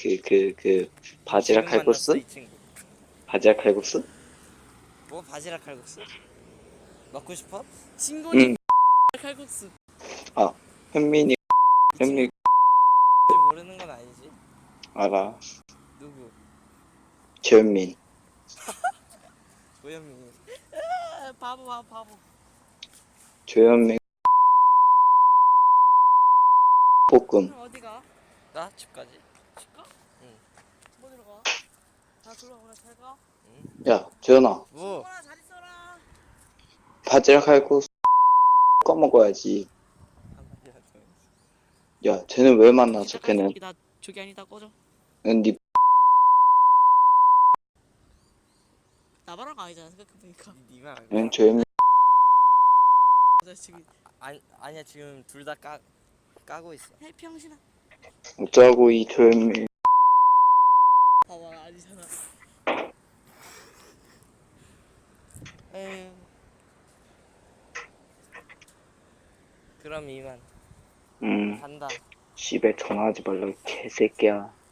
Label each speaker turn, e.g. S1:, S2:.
S1: 바지락
S2: 지금 만났어,
S1: 칼국수?
S2: 이 친구.
S1: 바지락 칼국수?
S2: 뭐 바지락 칼국수? 먹고 싶어?
S3: 신곤이
S1: 응.
S3: 칼국수.
S1: 아, 현민이,
S2: 이
S1: 현민,
S2: 친구 모르는 건 아니지?
S1: 알아.
S2: 누구?
S1: 최현민.
S2: 조현민이.
S3: 바보.
S1: 최현민 볶음.
S3: 그럼 어디가?
S2: 나 집까지.
S3: 집가?
S2: 응.
S3: 뭐 들어가? 나 들어가. 잘 가.
S2: 응.
S1: 야, 재현아.
S2: 뭐?
S3: 신곤아 잘 있어라.
S1: 바지락 칼국수 꺼먹어야지. 야, 쟤는 왜 만나서 걔는?
S3: 나 저기 아니다 꺼져.
S1: 니
S3: 나바랑 아니잖아 생각해보니까.
S2: 니가 알고.
S1: 응, 조현민.
S3: 나 지금
S2: 아니야 지금 둘 다 까고 있어.
S3: 해평신아.
S1: 어쩌고 이 조현민.
S3: 봐봐 아니잖아.
S2: 에휴. 그럼 이만 간다.
S1: 집에 전화하지 말라, 이 개새끼야.